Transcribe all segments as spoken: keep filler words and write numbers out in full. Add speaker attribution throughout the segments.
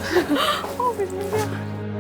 Speaker 1: 어, 무슨 소리야.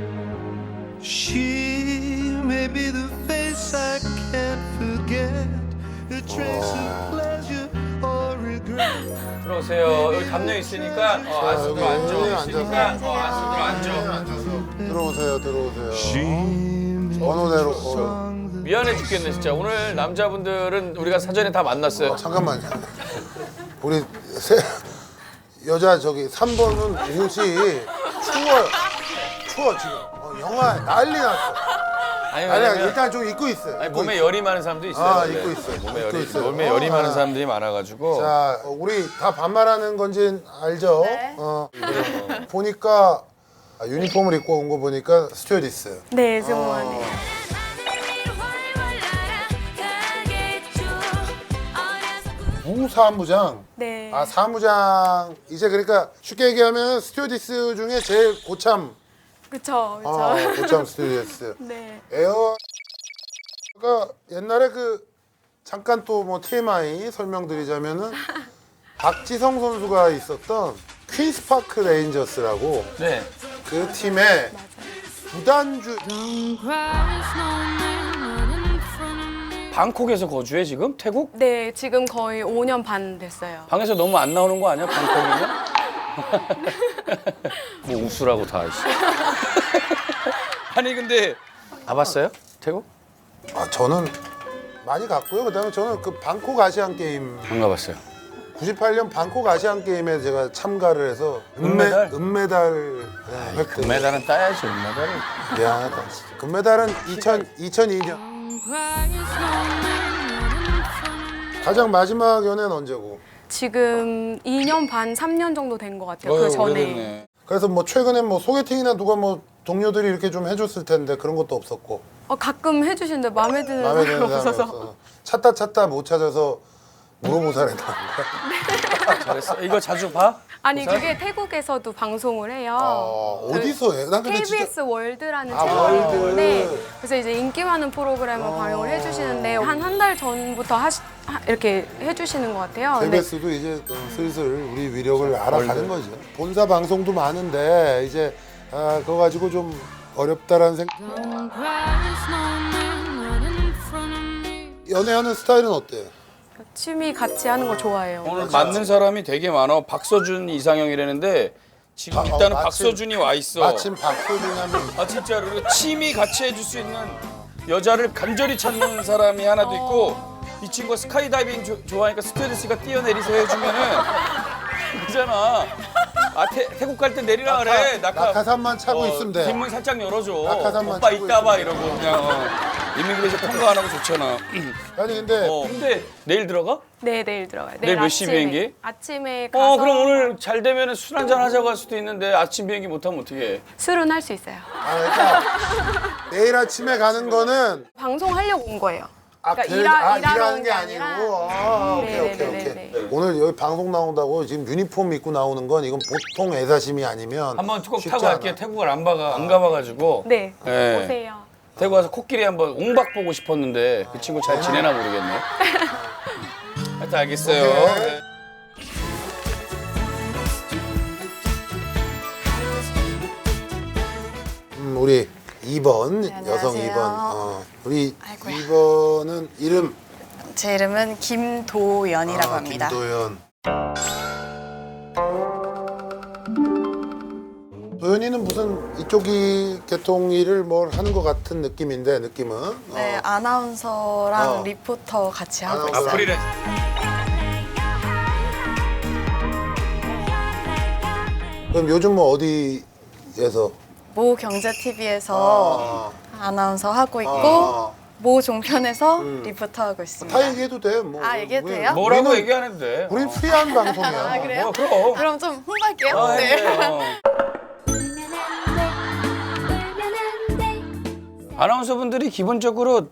Speaker 2: She may be the face I can't forget, a trace of pleasure or regret.
Speaker 3: 들어오세요. 여기 담요 있으니까 어, 안쪽으로
Speaker 4: 여기
Speaker 3: 앉아.
Speaker 4: 앉아서.
Speaker 3: 있으니까 어, 안쪽으로 앉아.
Speaker 4: 앉아서 들어오세요, 들어오세요.
Speaker 2: She
Speaker 4: 번호대로. 어.
Speaker 3: 미안해 죽겠네 진짜. 오늘 남자분들은 우리가 사전에 다 만났어요.
Speaker 4: 잠깐만요. 우리 세, 여자 저기 삼 번은 옷이 추워요. 추워 지금. 어, 영하 난리 났어.
Speaker 3: 아니,
Speaker 4: 아니
Speaker 3: 왜냐면-
Speaker 4: 일단 좀 입고 있어요.
Speaker 3: 아니,
Speaker 4: 입고
Speaker 3: 몸에
Speaker 4: 있어요.
Speaker 3: 열이 많은 사람도 있어요.
Speaker 4: 아,
Speaker 3: 원래.
Speaker 4: 입고 있어요.
Speaker 3: 몸에
Speaker 4: 입고
Speaker 3: 열이
Speaker 4: 있어요.
Speaker 3: 몸에 열이
Speaker 4: 어,
Speaker 3: 많은
Speaker 4: 아.
Speaker 3: 사람들이 많아가지고.
Speaker 4: 자, 우리 다 반말하는 건지 알죠?
Speaker 1: 네.
Speaker 4: 어, 그래요. 보니까 아, 유니폼을 입고 온 거 보니까 스튜어디스.
Speaker 1: 네, 승무원이에요.
Speaker 4: 부사무장.
Speaker 1: 네.
Speaker 4: 아 사무장 이제 그러니까 쉽게 얘기하면 스튜어디스 중에 제일 고참.
Speaker 1: 그쵸, 그쵸.
Speaker 4: 어, 고참 스튜어디스.
Speaker 1: 네.
Speaker 4: 에어가 옛날에 그 잠깐 또 뭐 티엠아이 설명드리자면은 박지성 선수가 있었던 퀸스파크 레인저스라고
Speaker 3: 네.
Speaker 4: 그 팀의 구단주.
Speaker 3: 방콕에서 거주해 지금? 태국?
Speaker 1: 네, 지금 거의 오 년 반 됐어요.
Speaker 3: 방에서 너무 안 나오는 거 아니야? 방콕이면? 뭐 웃으라고 다 있어. 아니 근데 가봤어요? 태국?
Speaker 4: 아 저는 많이 갔고요. 그다음에 저는 그 방콕 아시안 게임
Speaker 3: 안 가봤어요.
Speaker 4: 구십팔 년 방콕 아시안 게임에 제가 참가를 해서
Speaker 3: 은메달?
Speaker 4: 은메달 획득.
Speaker 3: 금메달은 따야지 은메달을.
Speaker 4: 미안하다. 진짜. 금메달은 이천이 년. 가장 마지막 연애는 언제고?
Speaker 1: 지금 이 년 반, 삼 년 정도 된 것 같아요. 그 전에.
Speaker 3: 오래됐네.
Speaker 4: 그래서 뭐 최근에 뭐 소개팅이나 누가 뭐 동료들이 이렇게 좀 해줬을 텐데 그런 것도 없었고
Speaker 1: 어, 가끔 해주시는데 마음에 드는
Speaker 4: 마음에
Speaker 1: 사람이
Speaker 4: 드는 사람이
Speaker 1: 없어서.
Speaker 4: 없어. 찾다 찾다 못 찾아서 물어보살에 나온 거야.
Speaker 3: 잘했어. 이거 자주 봐?
Speaker 1: 아니, 그게 태국에서도 방송을 해요.
Speaker 4: 아,
Speaker 1: 그
Speaker 4: 어디서 해? 난 근데
Speaker 1: 케이비에스
Speaker 4: 진짜
Speaker 1: 월드라는
Speaker 4: 아,
Speaker 1: 채널이
Speaker 4: 월드.
Speaker 1: 있는데 그래서 이제 인기 많은 프로그램을 방영을 해주시는데 한 한 달 전부터 하시, 하, 이렇게 해주시는 것 같아요. 근데
Speaker 4: 케이비에스도 이제 어, 슬슬 우리 위력을 알아가는 거죠. 본사 방송도 많은데 이제 아, 그거 가지고 좀 어렵다라는 생각. 연애하는 스타일은 어때요?
Speaker 1: 취미 같이 하는 거 좋아해요.
Speaker 3: 오늘 맞는 사람이 되게 많아. 박서준 이상형이라는데 지금
Speaker 4: 아, 어,
Speaker 3: 일단은
Speaker 4: 마침-
Speaker 3: 박서준이 와 있어.
Speaker 4: 마침 박소준이 하면
Speaker 3: 아 진짜로. 그리고 취미 같이 해줄 수 있는 여자를 간절히 찾는 사람이 하나도 있고 이 친구가 스카이다이빙 조- 좋아하니까 스튜어디스가 뛰어내리서 해주면은 그잖아. 아 태, 태국 갈 때 내리라 그래. 낙하,
Speaker 4: 낙하산만 차고
Speaker 3: 어,
Speaker 4: 있으면 돼.
Speaker 3: 뒷문 살짝 열어줘.
Speaker 4: 낙하산만
Speaker 3: 오빠
Speaker 4: 차고
Speaker 3: 이따 봐
Speaker 4: 있으면
Speaker 3: 이러고 그냥 어. 이미그레이션 통과 안 하고 좋잖아.
Speaker 4: 아니 근데
Speaker 3: 어, 근데 내일 들어가?
Speaker 1: 네, 내일 들어가요.
Speaker 3: 내일 몇 시
Speaker 1: 아침에.
Speaker 3: 비행기?
Speaker 1: 아침에 가서
Speaker 3: 어 그럼 오늘 잘 되면 술 한잔 하자고 할 수도 있는데 아침 비행기 못하면 어떡해.
Speaker 1: 술은 할 수 있어요.
Speaker 4: 아, 그러니까 내일 아침에 가는 거는
Speaker 1: 방송하려고 온 거예요.
Speaker 4: 아,
Speaker 1: 그러니까
Speaker 4: 그-
Speaker 1: 일하-
Speaker 4: 아,
Speaker 1: 일하러
Speaker 4: 일하는
Speaker 1: 온
Speaker 4: 게
Speaker 1: 게
Speaker 4: 아니고
Speaker 1: 아니라.
Speaker 4: 아, 오케이
Speaker 1: 네,
Speaker 4: 오케이
Speaker 1: 네,
Speaker 4: 오케이
Speaker 1: 네, 네.
Speaker 4: 오늘 여기 방송 나온다고 지금 유니폼 입고 나오는 건 이건 보통 애사심이 아니면
Speaker 3: 한번 꼭
Speaker 4: 쉽지
Speaker 3: 타고
Speaker 4: 않아.
Speaker 3: 갈게요. 태국을 안 가가 안 가봐가지고.
Speaker 1: 네,
Speaker 3: 네.
Speaker 1: 오세요.
Speaker 3: 태국 가서 코끼리 한번 옹박 보고 싶었는데 그 친구 잘 지내나 모르겠네. 하여튼 알겠어요.
Speaker 4: 오케이.
Speaker 3: 네.
Speaker 4: 음, 우리 이 번
Speaker 5: 네,
Speaker 4: 여성
Speaker 5: 안녕하세요.
Speaker 4: 이 번 어, 우리
Speaker 5: 아이고야.
Speaker 4: 이 번은 이름
Speaker 5: 제 이름은 김도연이라고
Speaker 4: 아,
Speaker 5: 합니다.
Speaker 4: 김도연. 도연이는 무슨 이쪽이 계통 일을 뭘 하는 것 같은 느낌인데 느낌은
Speaker 5: 네,
Speaker 4: 어.
Speaker 5: 아나운서랑
Speaker 4: 어.
Speaker 5: 리포터 같이 하고
Speaker 4: 아나운서.
Speaker 5: 있어요.
Speaker 3: 프리랜서.
Speaker 4: 그럼 요즘 뭐 어디에서
Speaker 5: 모 경제티비에서
Speaker 4: 아.
Speaker 5: 아나운서 하고 있고
Speaker 4: 아.
Speaker 5: 모 종편에서
Speaker 4: 음.
Speaker 5: 리포터 하고 있습니다.
Speaker 4: 다 얘기해도 돼. 뭐.
Speaker 5: 아, 얘기해도
Speaker 4: 우리-
Speaker 5: 돼요?
Speaker 3: 뭐라고
Speaker 4: 우리는-
Speaker 3: 얘기하는데 돼.
Speaker 4: 우린 프리한 방송이야.
Speaker 5: 아, 그래요?
Speaker 3: 뭐, 그럼.
Speaker 5: 그럼 좀 홍보할게요.
Speaker 3: 아,
Speaker 5: 네.
Speaker 3: 네. 아나운서분들이 기본적으로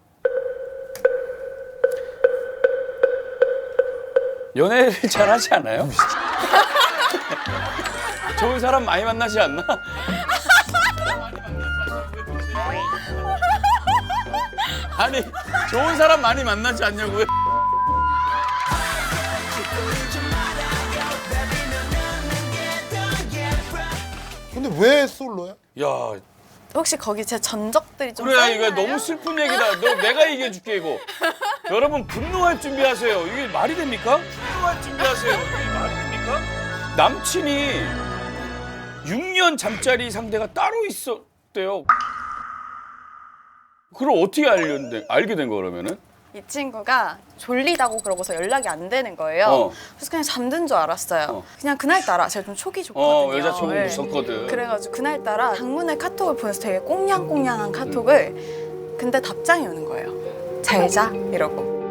Speaker 3: 연애를 잘 하지 않아요? 좋은 사람 많이 만나지 않나? 아니 좋은 사람 많이 만나지 않냐고요?
Speaker 4: 왜 솔로야?
Speaker 3: 야,
Speaker 5: 혹시 거기 제 전적들이 좀
Speaker 3: 그래
Speaker 5: 써있나요?
Speaker 3: 이거 너무 슬픈 얘기다. 너 내가 얘기해줄게 이거. 여러분 분노할 준비하세요. 이게 말이 됩니까? 분노할 준비하세요. 이게 말이 됩니까? 남친이 육 년 잠자리 상대가 따로 있었대요. 그걸 어떻게 알렸는데 알게 된 거 그러면은?
Speaker 5: 이 친구가 졸리다고 그러고서 연락이 안 되는 거예요.
Speaker 3: 어.
Speaker 5: 그래서 그냥 잠든 줄 알았어요.
Speaker 3: 어.
Speaker 5: 그냥 그날따라 제가 좀 촉이 좋거든요.
Speaker 3: 어 여자친구
Speaker 5: 네.
Speaker 3: 있었거든.
Speaker 5: 그래가지고 그날따라 장문의 카톡을 보내서 되게 꽁냥꽁냥한 카톡을 근데 답장이 오는 거예요. 잘 자? 이러고.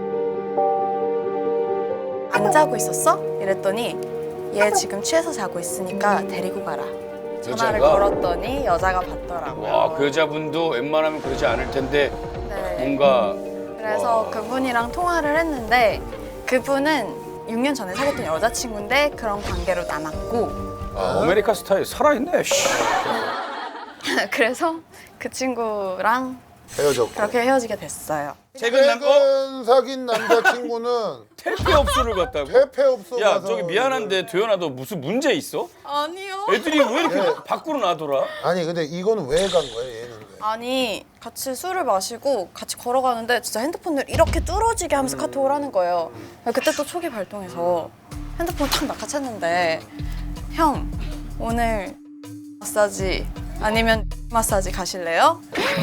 Speaker 5: 안 자고 있었어? 이랬더니 얘 지금 취해서 자고 있으니까 데리고 가라. 전화를
Speaker 3: 여자가?
Speaker 5: 걸었더니 여자가 받더라고요.
Speaker 3: 와, 그 여자분도 웬만하면 그러지 않을 텐데
Speaker 5: 네.
Speaker 3: 뭔가
Speaker 5: 그래서
Speaker 3: 와.
Speaker 5: 그분이랑 통화를 했는데 그분은 육 년 전에 사귀었던 여자친구인데 그런 관계로 남았고
Speaker 3: 아, 아메리카 스타일 살아있네. 씨.
Speaker 5: 그래서 그 친구랑
Speaker 4: 헤어졌고.
Speaker 5: 그렇게 헤어지게 됐어요.
Speaker 3: 최근 남 어?
Speaker 4: 최근 사귄 남자친구는
Speaker 3: 퇴폐업소를 갔다고?
Speaker 4: 퇴폐업소
Speaker 3: 야
Speaker 4: 가서
Speaker 3: 저기 미안한데 도연아 너 무슨 문제 있어?
Speaker 5: 아니요.
Speaker 3: 애들이 왜 이렇게
Speaker 4: 네.
Speaker 3: 밖으로 나돌아?
Speaker 4: 아니 근데 이거는 왜 간 거야 얘는 왜?
Speaker 5: 아니 같이 술을 마시고 같이 걸어가는데 진짜 핸드폰을 이렇게 뚫어지게 하면서 카톡을 하는 거예요. 그때 또 촉이 발동해서 핸드폰을 탁 낚아챘는데 형 오늘 마사지 아니면 마사지 가실래요?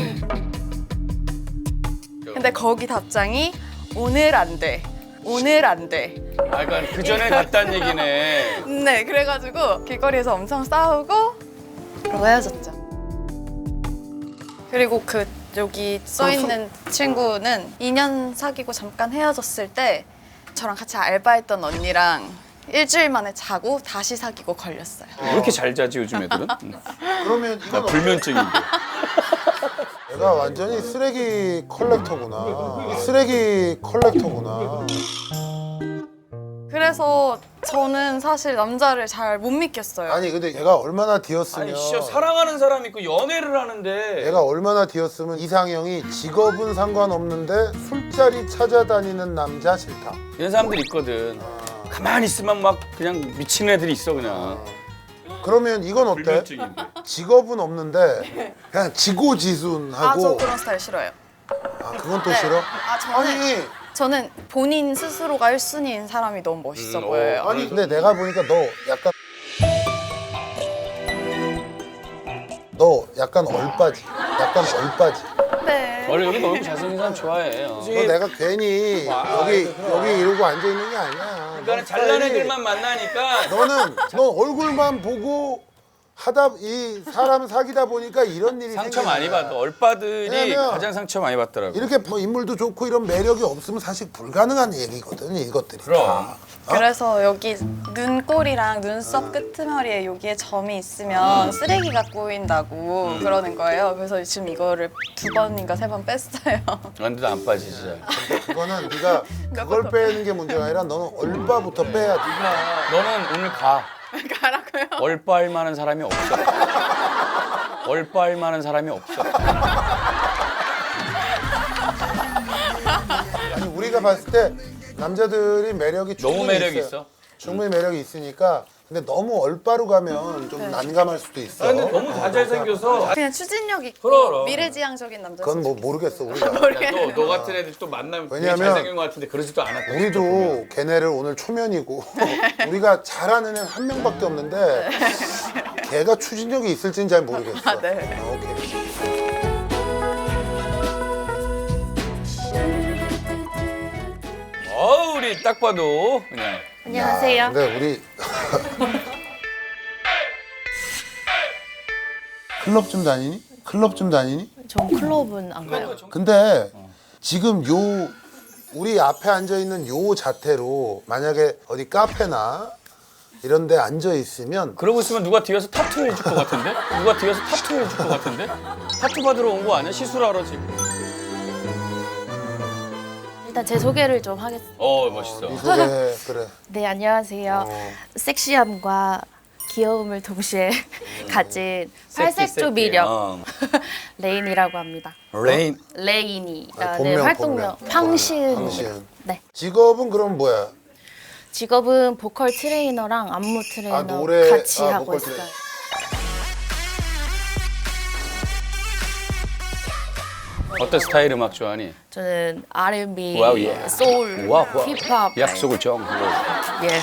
Speaker 5: 근데 거기 답장이 오늘 안 돼. 오늘 안 돼.
Speaker 3: 아 그러니까 그 전에 갔다는 얘기네.
Speaker 5: 네, 그래가지고 길거리에서 엄청 싸우고 그러고 헤어졌죠. 그리고 그 여기 써 있는 친구는 이 년 사귀고 잠깐 헤어졌을 때 저랑 같이 알바했던 언니랑 일주일 만에 자고 다시 사귀고 걸렸어요.
Speaker 3: 왜 이렇게 잘 자지 요즘 애들은? 응.
Speaker 4: 그러면
Speaker 3: 나
Speaker 4: 이건
Speaker 3: 불면증인데.
Speaker 4: 내가 완전히 쓰레기 컬렉터구나. 쓰레기 컬렉터구나.
Speaker 5: 그래서 저는 사실 남자를 잘 못 믿겠어요.
Speaker 4: 아니 근데 얘가 얼마나 뒤였으면
Speaker 3: 아니 진짜 사랑하는 사람 있고 연애를 하는데
Speaker 4: 얘가 얼마나 뒤였으면 이상형이 직업은 상관없는데 술자리 찾아다니는 남자 싫다.
Speaker 3: 이런 사람들 있거든. 가만히 있으면 막 그냥 미친 애들이 있어 그냥.
Speaker 4: 그러면 이건 어때?
Speaker 3: 불면증인데.
Speaker 4: 직업은 없는데 그냥 지고지순하고
Speaker 5: 아, 저 그런 스타일 싫어요.
Speaker 4: 아, 그건 또
Speaker 5: 네.
Speaker 4: 싫어?
Speaker 5: 아, 저는
Speaker 4: 아니
Speaker 5: 저는 본인 스스로가 일 순위인 사람이 너무 멋있어
Speaker 3: 음,
Speaker 5: 보여요.
Speaker 3: 어,
Speaker 4: 아니 근데 내가 보니까 너 약간 너 약간 얼빠지. 약간 얼빠지.
Speaker 5: 네.
Speaker 3: 원래 여기 얼굴 잘생긴 사람 좋아해. 어.
Speaker 4: 너 내가 괜히 여기 여기 이러고 앉아 있는 게 아니야.
Speaker 3: 그러니까
Speaker 4: 너
Speaker 3: 잘난
Speaker 4: 스타일이-
Speaker 3: 애들만 만나니까
Speaker 4: 너는 너 얼굴만 보고 하다 이 사람 사귀다 보니까 이런 일이
Speaker 3: 상처
Speaker 4: 생기는
Speaker 3: 많이
Speaker 4: 거야.
Speaker 3: 받아. 얼빠들이
Speaker 4: 왜냐면
Speaker 3: 가장 상처 많이 받더라고.
Speaker 4: 이렇게 뭐 인물도 좋고 이런 매력이 없으면 사실 불가능한 얘기거든 이것들이.
Speaker 3: 그럼.
Speaker 4: 다.
Speaker 5: 그래서 여기 눈꼬리랑 눈썹 끄트머리에 여기에 점이 있으면 쓰레기가 꼬인다고 그러는 거예요. 그래서 지금 이거를 두 번인가 세 번 뺐어요.
Speaker 3: 근데도 안 빠지지 잘.
Speaker 4: 그거는 네가 그걸 빼는 게 문제가 아니라 너는 얼빠부터 빼야 돼.
Speaker 3: 너는 오늘 가.
Speaker 5: 가라고요?
Speaker 3: 얼빠할 만한 사람이 없어. 얼빠할 만한 사람이 없어.
Speaker 4: 아니 우리가 봤을 때 남자들이 매력이
Speaker 3: 너무
Speaker 4: 충분히
Speaker 3: 매력이
Speaker 4: 있어요.
Speaker 3: 있어.
Speaker 4: 충분히 매력이 있으니까 근데 너무 얼빠로 가면 좀 난감할 수도 있어.
Speaker 3: 아, 근데 너무 다 잘생겨서.
Speaker 5: 그냥 추진력 있고
Speaker 3: 그럼.
Speaker 5: 미래지향적인 남자.
Speaker 4: 그건 뭐 모르겠어 우리가.
Speaker 3: 너, 너 같은 애들 또 만나면 되게
Speaker 4: 왜냐면
Speaker 3: 잘생긴 것 같은데 그러지도 않았다.
Speaker 4: 우리도 걔네를 오늘 초면이고 우리가 잘하는 애 한 명밖에 없는데 걔가 추진력이 있을지는 잘 모르겠어.
Speaker 5: 아, 네.
Speaker 4: 어, 오케이.
Speaker 3: 어, 우리 딱 봐도 그냥.
Speaker 5: 안녕하세요.
Speaker 4: 근데 우리 클럽 좀 다니니? 클럽 좀 다니니?
Speaker 6: 전 클럽은 안 가요.
Speaker 4: 근데 지금 요 우리 앞에 앉아 있는 요 자태로 만약에 어디 카페나 이런 데 앉아 있으면
Speaker 3: 그러고 있으면 누가 뒤에서 타투 해줄 것 같은데? 누가 뒤에서 타투 해줄 것 같은데? 타투 받으러 온 거 아니야? 시술하러 지금.
Speaker 6: 일단 제 소개를 좀 하겠습니다.
Speaker 3: 어, 멋있어.
Speaker 4: 이 소개 그래.
Speaker 6: 네, 안녕하세요.
Speaker 4: 어.
Speaker 6: 섹시함과 귀여움을 동시에 가진 팔색조
Speaker 3: 새끼,
Speaker 6: 미력
Speaker 3: 어.
Speaker 6: 레인이라고 합니다.
Speaker 3: 레인.
Speaker 6: 레인이라는
Speaker 4: 본명,
Speaker 6: 활동명
Speaker 4: 본명.
Speaker 6: 황시은이에요.
Speaker 4: 황시은.
Speaker 6: 네.
Speaker 4: 직업은 그럼 뭐야?
Speaker 6: 직업은 보컬 트레이너랑 안무 트레이너
Speaker 4: 아, 노래-
Speaker 6: 같이
Speaker 4: 아,
Speaker 6: 하고
Speaker 4: 보컬
Speaker 6: 있어요.
Speaker 4: 트레이너.
Speaker 3: 어떤 스타일 음악 좋아하니?
Speaker 6: 저는 알앤비,
Speaker 3: 와우, 예.
Speaker 6: 소울,
Speaker 3: 와우, 와우.
Speaker 6: 힙합.
Speaker 3: 약속을 정.
Speaker 6: 예.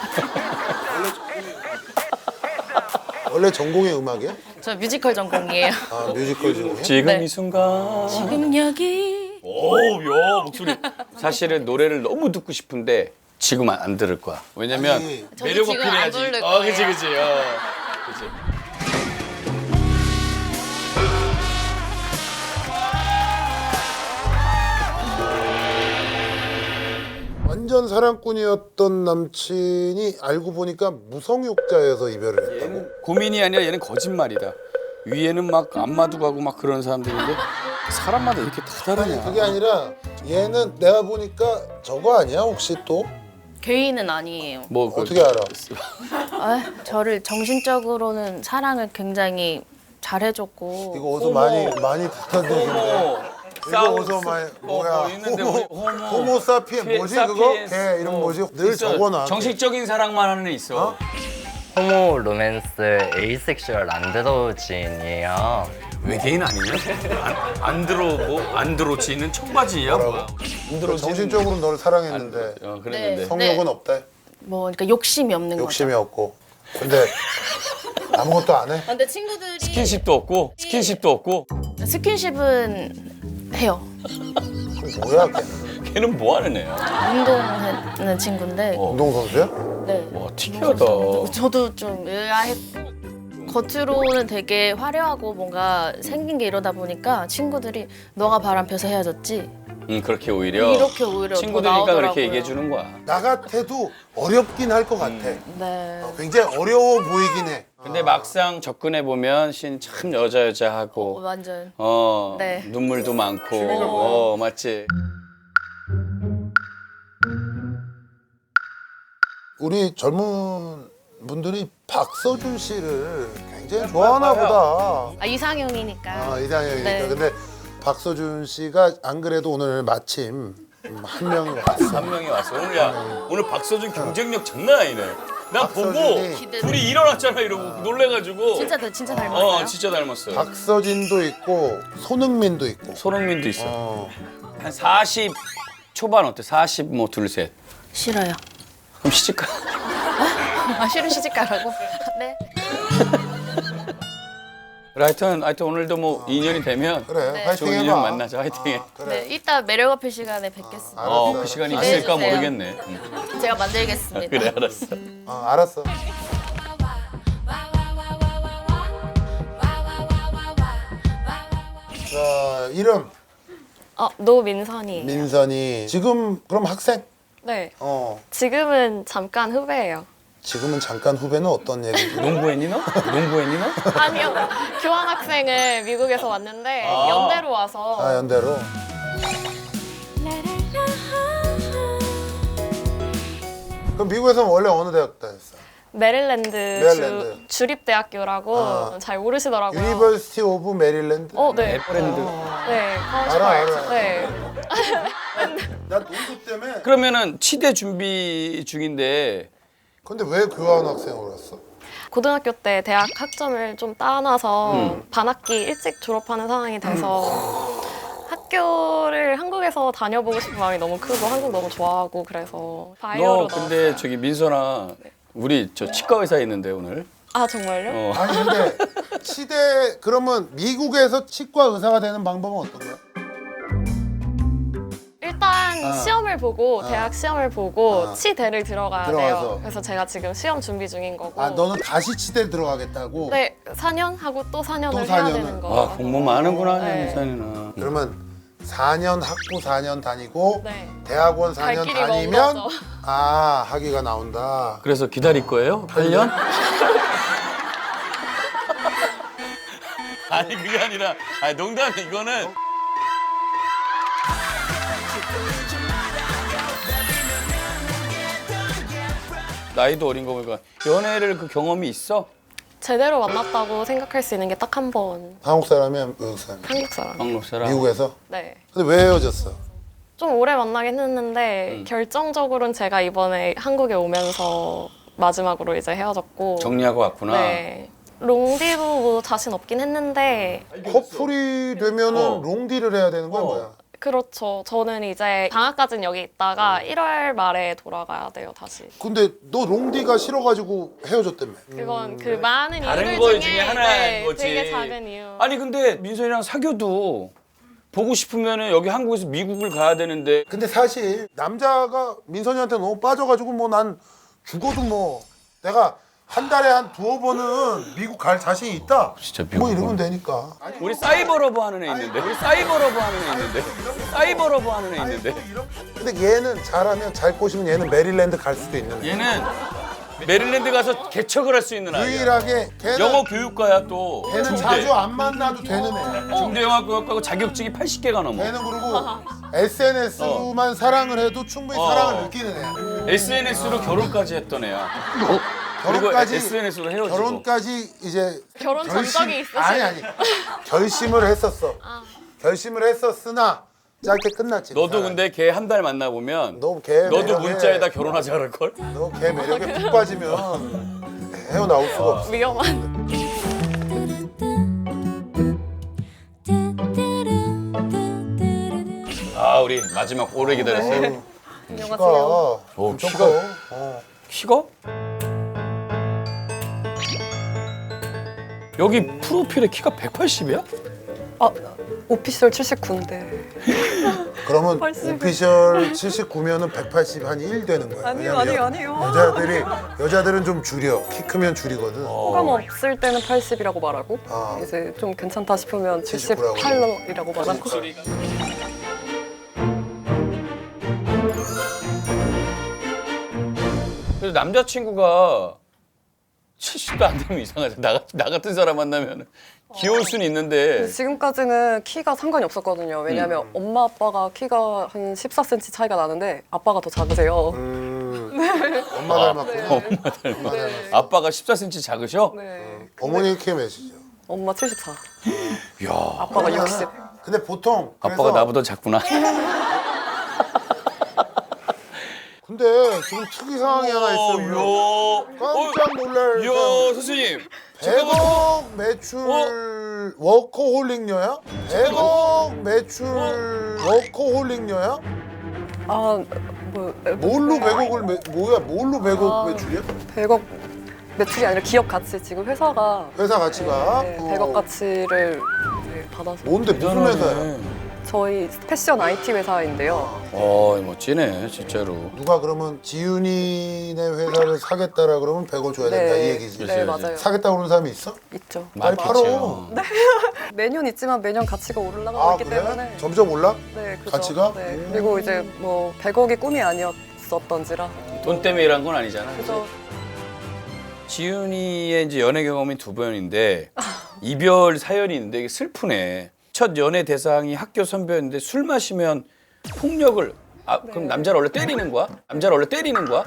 Speaker 4: 원래 전공이 음악이야?
Speaker 6: 저 뮤지컬 전공이에요.
Speaker 4: 아 뮤지컬 전공이야?
Speaker 3: 지금
Speaker 6: 네.
Speaker 3: 이 순간.
Speaker 6: 지금 여기.
Speaker 3: 오, 야 목소리. 사실은 노래를 너무 듣고 싶은데 지금 안, 안 들을 거야. 왜냐면
Speaker 4: 아니,
Speaker 6: 저도
Speaker 3: 매력
Speaker 6: 지금 안
Speaker 3: 어필해야지.
Speaker 6: 부를
Speaker 3: 어, 그지,
Speaker 6: 거예요.
Speaker 3: 그지. 어, 그지.
Speaker 4: 완전 사랑꾼이었던 남친이 알고 보니까 무성욕자여서 이별을 했다고?
Speaker 3: 얘는 고민이 아니라 얘는 거짓말이다. 위에는 막 안마도 가고 막 그런 사람들인데 사람마다 이렇게 다
Speaker 4: 아니
Speaker 3: 다르냐.
Speaker 4: 그게 아니라 얘는 내가 보니까 저거 아니야 혹시 또?
Speaker 6: 개인은 아니에요.
Speaker 3: 뭐 그-
Speaker 4: 어떻게 알아?
Speaker 6: 아, 저를 정신적으로는 사랑을 굉장히 잘해줬고.
Speaker 4: 이거 어디서 많이 많이 듣던 얘기인데 이거
Speaker 3: 싸우-
Speaker 4: 어디서 많이
Speaker 3: 어,
Speaker 4: 뭐야
Speaker 3: 뭐 있는데 우리
Speaker 4: 호모,
Speaker 3: 호모,
Speaker 4: 호모 사피엔
Speaker 3: 피-
Speaker 4: 뭐지 그거?
Speaker 3: 사피엔스,
Speaker 4: 걔 이름
Speaker 3: 어,
Speaker 4: 뭐지? 늘
Speaker 3: 있어.
Speaker 4: 적어놔
Speaker 3: 정식적인 사랑만 하는 애 있어.
Speaker 4: 어?
Speaker 7: 호모 로맨스 에이섹슈얼 안드로진이에요.
Speaker 3: 외계인 아니냐? 안, 안드로 뭐 안드로치는 청바지야 뭐야? 안드로치는
Speaker 4: 정신적으로 너를 사랑했는데
Speaker 3: 어, 그랬는데
Speaker 6: 네.
Speaker 4: 성욕은 없대?
Speaker 6: 뭐 그러니까 욕심이 없는
Speaker 4: 욕심이
Speaker 6: 거죠.
Speaker 4: 없고 근데 아무것도 안 해?
Speaker 6: 아, 근데 친구들이
Speaker 3: 스킨십도 없고 스킨십도 없고
Speaker 6: 스킨십은 해요.
Speaker 4: 그럼 뭐야 걔는?
Speaker 3: 걔는 뭐 하는 애야?
Speaker 6: 운동하는 친구인데.
Speaker 3: 어.
Speaker 4: 운동선수야?
Speaker 6: 네.
Speaker 3: 와 특이하다.
Speaker 6: 저도 좀 의아했고 겉으로는 되게 화려하고 뭔가 생긴 게 이러다 보니까 친구들이 너가 바람 펴서 헤어졌지
Speaker 3: 응 그렇게 오히려
Speaker 6: 이렇게 오히려 더
Speaker 3: 친구들이니까
Speaker 6: 나오더라고요.
Speaker 3: 그렇게 얘기해 주는 거야.
Speaker 4: 나 같아도 어렵긴 할 것 같아
Speaker 6: 네.
Speaker 4: 어, 굉장히 어려워 보이긴 해
Speaker 3: 근데 막상 접근해 보면 신 참 여자 여자
Speaker 6: 어,
Speaker 3: 하고
Speaker 6: 완전
Speaker 3: 어
Speaker 6: 네.
Speaker 3: 눈물도 많고 어 맞지.
Speaker 4: 우리 젊은 분들이 박서준 씨를 굉장히 좋아하나
Speaker 3: 봐요.
Speaker 4: 보다
Speaker 6: 아, 이상형이니까.
Speaker 4: 아, 이상형이니까
Speaker 6: 네.
Speaker 4: 근데 박서준 씨가 안 그래도 오늘 마침 음, 한 명이 왔어
Speaker 3: 한 명이 왔어. 오늘 야 오늘 박서준 경쟁력 장난 아니네. 나 보고
Speaker 4: 박서준이
Speaker 3: 둘이 일어났잖아 이러고 놀래가지고.
Speaker 6: 진짜 진짜 닮았어요.
Speaker 3: 어 진짜 닮았어요.
Speaker 4: 박서진도 있고 손흥민도 있고
Speaker 3: 손흥민도 있어.
Speaker 4: 어.
Speaker 3: 한 사십 초반 어때? 사십 뭐 둘 셋.
Speaker 6: 싫어요.
Speaker 3: 그럼 시집가.
Speaker 6: 아, 싫은 시집 가라고? 네.
Speaker 3: 그래, 하여튼 하여튼 오늘도 뭐 인연이 되면
Speaker 4: 그래
Speaker 6: 네.
Speaker 4: 화이팅
Speaker 3: 좋은
Speaker 4: 해봐
Speaker 3: 인연 만나자. 화이팅해.
Speaker 4: 아, 그래
Speaker 6: 네, 이따 매력 어필 시간에 뵙겠습니다.
Speaker 3: 어
Speaker 4: 알았어,
Speaker 3: 그 시간이
Speaker 4: 알았어.
Speaker 3: 있을까
Speaker 6: 기대해주세요.
Speaker 3: 모르겠네. 응.
Speaker 6: 제가 만들겠습니다.
Speaker 3: 그래 알았어.
Speaker 4: 어, 알았어 자 이름
Speaker 8: 어, 노민선이에요.
Speaker 4: 민선이 지금 그럼 학생?
Speaker 8: 네.
Speaker 4: 어
Speaker 8: 지금은 잠깐 후배예요.
Speaker 4: 지금은 잠깐 후배는 어떤 얘기지?
Speaker 3: 농구했니 너? 농구했니 너?
Speaker 8: 아니요. 교환학생을 미국에서 왔는데
Speaker 3: 아.
Speaker 8: 연대로 와서
Speaker 4: 아 연대로 그럼 미국에서는 원래 어느 대학 다녔어?
Speaker 8: 메릴랜드,
Speaker 4: 메릴랜드.
Speaker 8: 주, 주립대학교라고
Speaker 4: 아.
Speaker 8: 잘 모르시더라고요.
Speaker 4: 유니버시티 오브 메릴랜드?
Speaker 8: 어, 네.
Speaker 3: 브랜드.
Speaker 8: 네. college
Speaker 4: 알아,
Speaker 8: park.
Speaker 4: 알아.
Speaker 8: 네.
Speaker 4: 나 농구 때문에
Speaker 3: 그러면은 치대 준비 중인데
Speaker 4: 근데 왜 교환학생으로 왔어?
Speaker 8: 고등학교 때 대학 학점을 좀 따놔서
Speaker 3: 음.
Speaker 8: 반학기 일찍 졸업하는 상황이 돼서 학교를 한국에서 다녀보고 싶은 마음이 너무 크고 한국 너무 좋아하고 그래서
Speaker 3: 너
Speaker 8: 바이오로
Speaker 3: 근데
Speaker 8: 나왔어요.
Speaker 3: 저기 민선아 우리 저 치과 의사에 있는데 오늘.
Speaker 8: 아 정말요?
Speaker 3: 어.
Speaker 4: 아니 근데 치대 그러면 미국에서 치과 의사가 되는 방법은 어떤 거야?
Speaker 8: 일단
Speaker 4: 아.
Speaker 8: 시험을 보고 대학 시험을 보고
Speaker 4: 아.
Speaker 8: 치대를 들어가야
Speaker 4: 들어가서.
Speaker 8: 돼요. 그래서 제가 지금 시험 준비 중인 거고.
Speaker 4: 아 너는 다시 치대 들어가겠다고?
Speaker 8: 네, 사 년 하고 또 사 년을
Speaker 4: 또 사
Speaker 8: 해야
Speaker 4: 년을.
Speaker 8: 되는 거.
Speaker 3: 와 공부 많은구나
Speaker 8: 네.
Speaker 3: 민선이는.
Speaker 4: 그러면 사 년 학부 사 년 다니고
Speaker 8: 네.
Speaker 4: 대학원 사
Speaker 8: 갈
Speaker 4: 년
Speaker 8: 길이 먼
Speaker 4: 다니면
Speaker 8: 거죠.
Speaker 4: 아 학위가 나온다.
Speaker 3: 그래서 기다릴 거예요? 팔 년? 아니 그게 아니라 아니 농담이 이거는 나이도 어린 거 보니까 연애를 그 경험이 있어?
Speaker 8: 제대로 만났다고 생각할 수 있는 게 딱 한 번.
Speaker 4: 한국 사람이야 미국 사람?
Speaker 8: 한국 사람.
Speaker 3: 한국 사람.
Speaker 4: 미국에서?
Speaker 8: 네.
Speaker 4: 근데 왜 헤어졌어?
Speaker 8: 좀 오래 만나긴 했는데
Speaker 3: 음.
Speaker 8: 결정적으로는 제가 이번에 한국에 오면서 마지막으로 이제 헤어졌고.
Speaker 3: 정리하고 왔구나.
Speaker 8: 네. 롱디도 뭐 자신 없긴 했는데
Speaker 4: 커플이 되면은
Speaker 3: 어.
Speaker 4: 롱디를 해야 되는 거야
Speaker 3: 어.
Speaker 4: 뭐야?
Speaker 8: 그렇죠. 저는 이제 방학까지는 여기 있다가 일월 말에 돌아가야 돼요, 다시.
Speaker 4: 근데 너 롱디가 싫어가지고 헤어졌다며.
Speaker 8: 그건 그 많은
Speaker 3: 다른
Speaker 8: 이유들
Speaker 3: 거
Speaker 8: 중에,
Speaker 3: 중에 하나인
Speaker 8: 네,
Speaker 3: 거지.
Speaker 8: 되게 작은 이유.
Speaker 3: 아니 근데 민선이랑 사귀어도 보고 싶으면은 여기 한국에서 미국을 가야 되는데
Speaker 4: 근데 사실 남자가 민선이한테 너무 빠져가지고 뭐 난 죽어도 뭐 내가 한 달에 한 두어 번은 미국 갈 자신이 있다.
Speaker 3: 진짜
Speaker 4: 뭐
Speaker 3: 미국
Speaker 4: 이러면 되니까.
Speaker 3: 우리 사이버러브 하는 애 있는데 우리 사이버러브 하는 애 있는데 사이버러브 하는 애 있는데
Speaker 4: 근데 얘는 잘하면 잘 꼬시면 얘는 메릴랜드 갈 수도 있는 애.
Speaker 3: 얘는 메릴랜드 가서 개척을 할 수 있는 아이야.
Speaker 4: 유일하게 걔는
Speaker 3: 영어 교육과야 또.
Speaker 4: 걔는
Speaker 3: 중대.
Speaker 4: 자주 안 만나도 되는 애.
Speaker 3: 중대 영어 교육과고 자격증이 팔십 개가 넘어.
Speaker 4: 걔는 그리고 에스엔에스만 사랑을 해도 충분히
Speaker 3: 어.
Speaker 4: 사랑을 느끼는 애.
Speaker 3: 에스엔에스로 결혼까지 했던 애야. 그리고
Speaker 4: 결혼까지
Speaker 3: 에스엔에스로 헤어지고.
Speaker 4: 결혼까지 이제
Speaker 8: 결혼 전적이 있으신-
Speaker 4: 아니 아니 결심을 했었어. 결심을 했었으나 짧게 끝났지.
Speaker 3: 너도
Speaker 4: 사람이.
Speaker 3: 근데 걔 한 달 만나 보면
Speaker 4: 너걔
Speaker 3: 너도 문자에다 결혼하자 그럴 걸?
Speaker 4: 너걔 매력에 푹 빠지면 헤어나올 수가 없어.
Speaker 8: 위험한.
Speaker 3: 아 우리 마지막 오래 기다렸어요.
Speaker 4: 키가
Speaker 3: 오,
Speaker 4: 엄청
Speaker 3: 키가-
Speaker 4: 커. 어.
Speaker 3: 키가? 여기 프로필에 키가 백팔십이야?
Speaker 9: 아, 오피셜 칠십구인데.
Speaker 4: 그러면 오피셜 칠십구면은 백팔십 한 일 되는 거야.
Speaker 9: 아니요,
Speaker 4: 왜냐면
Speaker 9: 아니요, 아니요.
Speaker 4: 여자들이 여자들은 좀 줄여. 키 크면 줄이거든.
Speaker 9: 호감 없을 때는 팔십이라고 말하고
Speaker 4: 아.
Speaker 9: 이제 좀 괜찮다 싶으면
Speaker 4: 칠십구라고.
Speaker 9: 칠십팔이라고 말하고.
Speaker 3: 그래서 남자친구가 칠십도 안 되면 이상하죠. 나, 같- 나 같은 사람 만나면 귀여울 수는 있는데
Speaker 9: 지금까지는 키가 상관이 없었거든요. 왜냐하면
Speaker 4: 음.
Speaker 9: 엄마 아빠가 키가 한 십사 센티미터 차이가 나는데 아빠가 더 작으세요.
Speaker 4: 음. 엄마 닮았구나.
Speaker 3: 엄마 닮아.
Speaker 4: 엄마 닮았어.
Speaker 3: 아빠가 십사 센티미터 작으셔?
Speaker 9: 네.
Speaker 4: 어머니 키 몇이죠?
Speaker 9: 엄마 칠십사,
Speaker 3: 이야,
Speaker 9: 아빠가 육십.
Speaker 4: 근데 보통 그래서
Speaker 3: 아빠가 나보다 작구나.
Speaker 4: 근데 지금 특이 상황이 하나 있어요.
Speaker 3: 요,
Speaker 4: 깜짝 놀랄
Speaker 3: 요,
Speaker 4: 사람.
Speaker 3: 선생님. 잠깐만.
Speaker 4: 백억 매출 워커홀릭녀야? 백억 매출 워커홀릭녀야?
Speaker 9: 아, 뭐
Speaker 4: 뭘로 백억을 매, 뭐야? 뭘로 백억
Speaker 9: 아.
Speaker 4: 매출이야?
Speaker 9: 백억 매출이 아니라 기업 가치. 지금 회사가
Speaker 4: 회사 가치가
Speaker 9: 네,
Speaker 4: 어.
Speaker 9: 백억 가치를 이제 받아서.
Speaker 4: 뭔데 무슨 회사야?
Speaker 9: 저희 패션 아이티 회사인데요.
Speaker 3: 어, 멋지네, 진짜로.
Speaker 4: 누가 그러면 지윤이네 회사를 사겠다라 그러면 백억 줘야 된다 이 얘기지.
Speaker 9: 네, 맞아요.
Speaker 4: 사겠다 그러는 사람이 있어?
Speaker 9: 있죠.
Speaker 4: 빨리 팔어.
Speaker 3: 많겠죠.
Speaker 9: 매년 있지만 매년 가치가 올라가고
Speaker 4: 아
Speaker 9: 있기
Speaker 4: 그래?
Speaker 9: 때문에.
Speaker 4: 점점 올라?
Speaker 9: 네, 그죠.
Speaker 4: 가치가?
Speaker 9: 네. 그리고 이제 뭐 백억이 꿈이 아니었었던지라.
Speaker 3: 돈 때문에 일한 건 아니잖아.
Speaker 9: 그죠.
Speaker 3: 지윤이의 이제 연애 경험이 두 번인데 이별 사연이 있는데 이게 슬프네. 첫 연애 대상이 학교 선배였는데 술 마시면 폭력을 아 그럼 남자를 원래 때리는 거야? 남자를 원래 때리는 거야?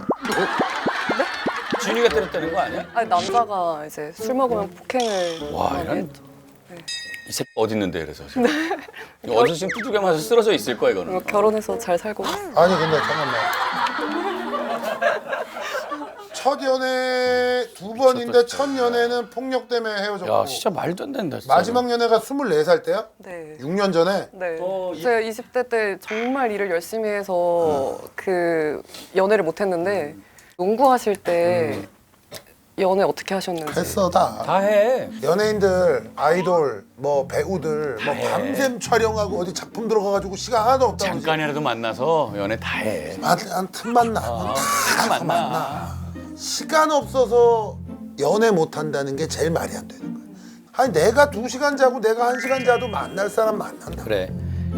Speaker 3: 지윤이가 때렸다는 거 아니야?
Speaker 9: 아니 남자가 이제 술 먹으면 폭행을
Speaker 3: 와,
Speaker 9: 하게
Speaker 3: 이런-
Speaker 9: 했죠.
Speaker 3: 이 새끼 어디 있는데 그래서 지금. 이거 어디서 지금 두들겨 맞아 쓰러져 있을 거야 이거는.
Speaker 9: 그리고 결혼해서 잘 살고 있어요.
Speaker 4: 아니 근데 잠깐만. 첫 연애 두 번인데 첫 연애는 폭력 때문에 헤어졌고
Speaker 3: 야 진짜 말도 안 된다. 진짜.
Speaker 4: 마지막 연애가 스물네 살 때야?
Speaker 9: 네.
Speaker 4: 육 년 전에?
Speaker 9: 네.
Speaker 3: 어, 이-
Speaker 9: 제가 이십 대 때 정말 일을 열심히 해서 그 연애를 못 했는데 농구하실 때 연애 어떻게 하셨는지.
Speaker 4: 했어 다.
Speaker 3: 다 해.
Speaker 4: 연예인들, 아이돌, 뭐 배우들 뭐 밤샘 촬영하고 어디 작품 들어가가지고 시간 하나도 없다고.
Speaker 3: 잠깐이라도 만나서 연애 다 해.
Speaker 4: 한 틈만 나.
Speaker 3: 어,
Speaker 4: 다
Speaker 3: 다 만나.
Speaker 4: 만나. 시간 없어서 연애 못 한다는 게 제일 말이 안 되는 거야. 아니 내가 두 시간 자고 내가 한 시간 자도 만날 사람 만난다.
Speaker 3: 그래.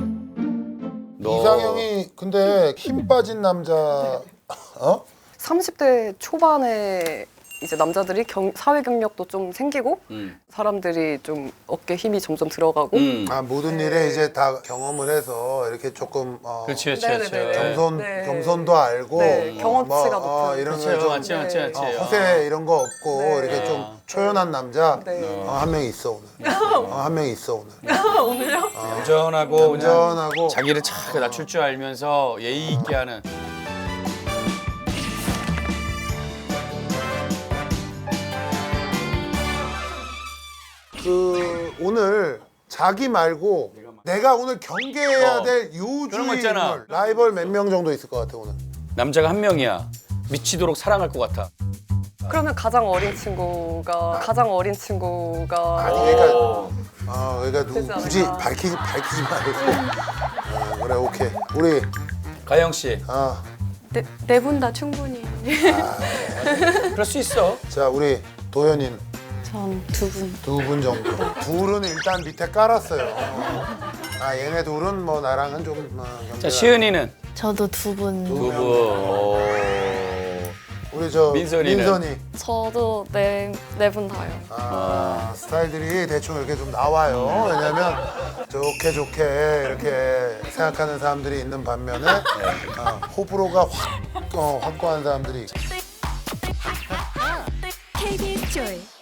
Speaker 3: 너
Speaker 4: 이상형이 근데 힘 빠진 남자 어?
Speaker 9: 삼십 대 초반에 이제 남자들이 경, 사회 경력도 좀 생기고
Speaker 3: 음.
Speaker 9: 사람들이 좀 어깨 힘이 점점 들어가고
Speaker 3: 음.
Speaker 4: 아 모든 일에 이제 다 경험을 해서 이렇게 조금 어,
Speaker 3: 그렇지 그렇지
Speaker 9: 네네네.
Speaker 3: 그렇지.
Speaker 4: 겸손
Speaker 9: 네.
Speaker 4: 겸손도 알고
Speaker 9: 네,
Speaker 4: 뭐,
Speaker 9: 경험치가
Speaker 4: 뭐, 어,
Speaker 9: 높은.
Speaker 4: 이런
Speaker 3: 그렇지
Speaker 4: 거좀
Speaker 3: 맞지 맞지 맞지.
Speaker 4: 어, 허세 이런 거 없고
Speaker 9: 네.
Speaker 4: 이렇게 좀 초연한 남자
Speaker 9: 네.
Speaker 4: 어, 한 명 있어 오늘. 어, 한 명 있어 오늘.
Speaker 3: 얌전하고 그냥
Speaker 4: 운전하고
Speaker 3: 자기를 착 낮출 줄 알면서 예의 있게 하는.
Speaker 4: 그 오늘 자기 말고 내가 오늘 경계해야
Speaker 3: 어.
Speaker 4: 될
Speaker 3: 그런 거 있잖아.
Speaker 4: 요주인물 라이벌 몇 명 정도 있을 것 같아 오늘.
Speaker 3: 남자가 한 명이야. 미치도록 사랑할 것 같아.
Speaker 9: 그러면 가장 어린 친구가 가장 어린 친구가
Speaker 4: 아니 그러니까 아 그러니까 누구
Speaker 9: 되지
Speaker 4: 굳이
Speaker 9: 않을까?
Speaker 4: 밝히지 밝히지 말고. 어, 그래 오케이 우리
Speaker 3: 가영 씨.
Speaker 4: 아.
Speaker 1: 네 분 다 충분히.
Speaker 3: 그럴 수 있어.
Speaker 4: 자 우리 도현이는
Speaker 5: 전 두 분.
Speaker 4: 두 분 정도. 둘은 일단 밑에 깔았어요. 아 얘네 둘은 뭐 나랑은 좀. 어,
Speaker 3: 자, 시은이는
Speaker 6: 저도 두 분.
Speaker 3: 두 분. 오.
Speaker 4: 우리 저
Speaker 3: 민선이는?
Speaker 4: 민선이.
Speaker 8: 저도 네 네 분 다요.
Speaker 4: 아, 스타일들이 대충 이렇게 좀 나와요. 왜냐면 좋게 좋게 이렇게 생각하는 사람들이 있는 반면에 어, 호불호가 확 어, 확고한 사람들이.
Speaker 10: 케이비에스 Joy